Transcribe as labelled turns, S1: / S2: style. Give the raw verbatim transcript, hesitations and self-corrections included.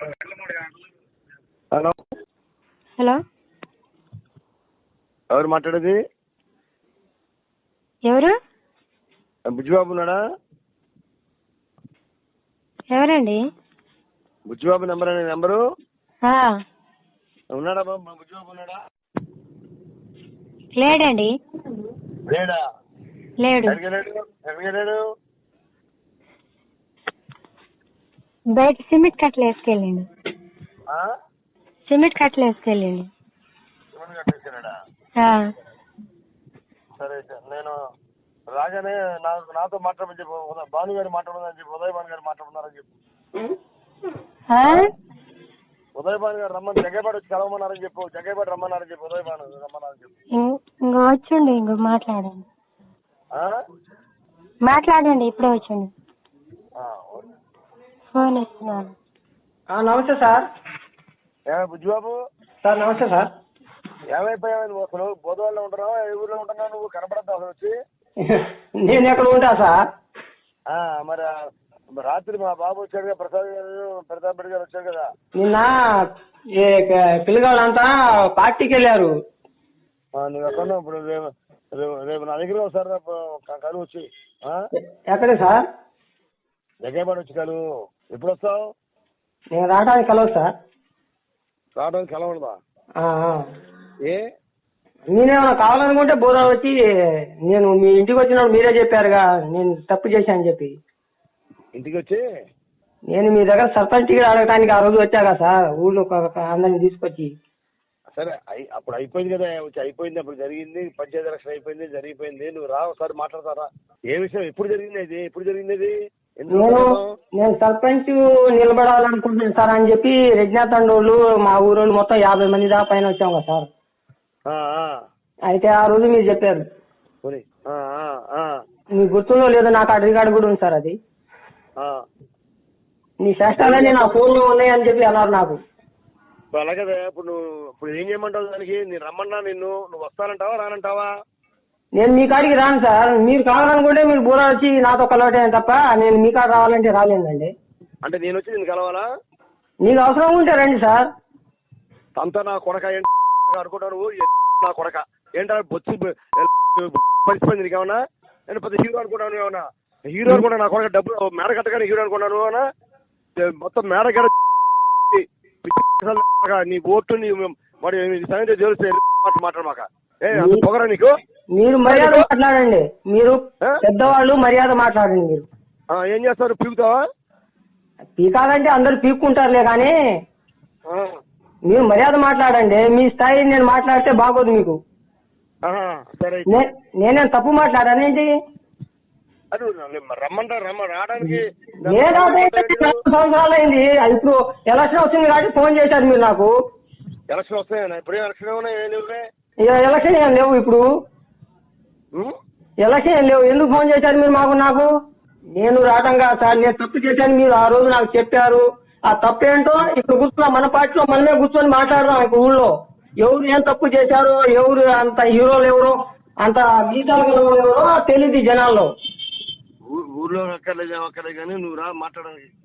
S1: Hello
S2: hello
S1: ఎవరు మాట్లాడేది?
S2: ఎవరు?
S1: బుజ్జిబాబు ఉన్నాడా?
S2: ఎవరండి?
S1: బుజ్జిబాబు నెంబర్ అనే నెంబరు
S2: ఆ,
S1: ఉన్నాడా బాబు? మా బుజ్జిబాబు ఉన్నాడా?
S2: లేడండి.
S1: లేడా?
S2: లేడు.
S1: ఎక్కడికి వెళ్ళాడు? ఎక్కడికి వెళ్ళాడు?
S2: బయట సిమెంట్ కట్టలు వేసుకెళ్ళండి.
S1: ఆ?
S2: సిమెంట్ కట్టలు వేసుకెళ్ళండి.
S1: శివుని కట్టేసాడా?
S2: ఆ,
S1: సరే సార్, నేను రాగానే నాకు నాతో మాట్లాడమని చెప్పు. ఉదయ్ భాను గారు మాట్లాడమని చెప్పి, ఉదయ్ భాను గారు మాట్లాడుతున్నారని చెప్పు.
S2: ఆ?
S1: ఉదయ్ భాను గారు రమ్మని జగ్గేపాటి వచ్చి కలవమన్నారని చెప్పు. జగ్గేపాటి రమ్మన్నారని చెప్పు. ఉదయ్ భాను రమ్మన్నారని చెప్పు.
S2: ఇం- ఇంకో వచ్చండి. ఇంకో మాట్లాడండి.
S1: ఆ?
S2: మాట్లాడండి. ఇప్పుడే వచ్చండి.
S1: ఆ, ఓకే.
S2: ఫోన్ ఇస్తున్నాను.
S3: నమస్తే సార్.
S1: ఏమే బుజ్జిబాబు?
S3: సార్ నమస్తే సార్.
S1: ఏమైపోయావు నువ్వు? అసలు బోధవాళ్ళలో ఉంటున్నావు? ఏ ఊర్లో ఉంటున్నావు నువ్వు? కనపడద్దు అసలు వచ్చి.
S3: నేను ఎక్కడ ఉంటా సార్?
S1: ఆ, మరి రాత్రి మా బాబు వచ్చాడు కదా, ప్రసాద్ గారు, ప్రతాప్ రెడ్డి గారు వచ్చాడు కదా.
S3: నిన్న ఈ పిల్లగాళ్ళంతా పార్టీకి వెళ్ళారు.
S1: ఆ, నువ్వు ఎక్కడ ఉన్నావు ఇప్పుడు? రేపు రేపు రేపు నా దగ్గర ఒకసారి రేపు కలువు వచ్చి.
S3: ఎక్కడే సార్?
S1: జగ్గేపాటి వచ్చి కలువు. ఎప్పుడు వస్తావు?
S3: నేను రావడానికి కలవదు సార్.
S1: రావడానికి కలవడదా?
S3: ఆ, ఆ.
S1: ఏ
S3: నేనేమన్నా కావాలనుకుంటే బోధ వచ్చి, నేను మీ ఇంటికి వచ్చినప్పుడు మీరే చెప్పారుగా నేను తప్పు చేశానని చెప్పి.
S1: ఇంటికి వచ్చి
S3: నేను మీ దగ్గర సర్పంచ్ టికెట్ అడగటానికి ఆ రోజు వచ్చాగా సార్, ఊళ్ళో ఒక- ఒక అందరిని తీసుకొచ్చి.
S1: సరే, అయి అప్పుడు అయిపోయింది కదా, వచ్చి అయిపోయింది. అప్పుడు జరిగింది, పంచాయతీ ఎలక్షన్ అయిపోయింది, జరిగిపోయింది. నువ్వు రా ఒకసారి మాట్లాడతారా? ఏ విషయం? ఎప్పుడు జరిగింది ఇది? ఎప్పుడు జరిగింది ఇది? ఎందుకు
S3: నేను
S1: మాట్లాడతావు?
S3: నేను సర్పంచ్ నిలబడాలనుకుంటున్నాను సార్ అని చెప్పి రెడ్నాథండోళ్ళు మా ఊరోళ్ళు మొత్తం యాభై మంది దాకా పైన వచ్చాం కదా సార్.
S1: ఆ, ఆ.
S3: అయితే ఆ రోజు మీరు చెప్పారు.
S1: పోనీ. ఆ, ఆ, ఆ.
S3: మీ గుర్తుందో లేదో నాకు ఆ రికార్డు కూడా ఉంది సార్. అది
S1: ఆ.
S3: నీ శాస్త్రాలన్నీ నా ఫోన్లో ఉన్నాయని చెప్పి అన్నారు నాకు.
S1: ఇప్పుడు అలాగే ఇప్పుడు నువ్వు ఇప్పుడు ఏం చేయమంటావు దానికి? నేను రమ్మన్నా నిన్ను, నువ్వు వస్తానంటావా రానంటావా?
S3: నేను మీ కాడికి రాను సార్. మీరు కావాలనుకుంటే మీరు బూర వచ్చి నాతో కలవటే తప్ప నేను మీ కాడ రావాలంటే రాలేదండి.
S1: అంటే నేను వచ్చి నేను కలవాలా?
S3: నీకు అవసరం ఉంటే రండి సార్.
S1: అంతా నా కొడక ఏంటి అనుకుంటావు నువ్వు? నా కొడక ఏంటా బొచ్చి పరిస్థితి నీకేమన్నా? నేను పెద్ద హీరో అనుకుంటాను ఏమన్నా? హీరో అనుకున్నా నా కొడక డబ్బులు మేడ కట్టగానే హీరో అనుకున్నాను అన్నా. మొత్తం మేడ కట్ట నీ ఓటు నీ మరి సంగతి తెలిస్తే మాట్లాడమాక. ఏ అంత పొగరా నీకు?
S3: మీరు మర్యాద మాట్లాడండి. మీరు పెద్దవాళ్ళు మర్యాద మాట్లాడండి. మీరు
S1: ఆ, ఏం చేస్తారు? పీకుతావా?
S3: పీకాలంటే అందరు పీక్కుంటారులే కానీ మీరు మర్యాద మాట్లాడండి. మీ స్థాయి నేను మాట్లాడితే బాగోదు మీకు.
S1: ఆహా, సరే.
S3: నే- నేనేం తప్పు మాట్లాడానేంటి?
S1: అది రమ్మంటారు రమ్మ రావడానికి
S3: నేను సంవత్సరాలు అయింది. ఇప్పుడు ఎలక్షన్ వచ్చింది కాబట్టి ఫోన్ చేశారు మీరు నాకు.
S1: ఎలక్షన్ వస్తాయన్నా? ఇప్పుడే ఎలక్షన్ ఏమన్నా? ఏం లేవులే.
S3: ఇక ఎలక్షన్ ఏం లేవు ఇప్పుడు.
S1: ఉం?
S3: ఎలక్షన్ ఏం లేవు. ఎందుకు ఫోన్ చేశారు మీరు మాకు? నాకు నేను రావటం కాదు సార్. నేను తప్పు చేశాను మీరు ఆ రోజు నాకు చెప్పారు. ఆ తప్పు ఏంటో ఇప్పుడు కూర్చున్నా మన పార్టీలో మనమే కూర్చొని మాట్లాడదాం. ఇప్పుడు ఊళ్ళో ఎవరు ఏం తప్పు చేశారో, ఎవరు అంత హీరోలు ఎవరో, అంత గీతాలు ఎవరో తెలియదు జనాల్లో.
S1: ఊ- ఊర్లో అక్కర్లేదు ఏమక్కర్లేదు కానీ నువ్వు రా మాట్లాడడానికి.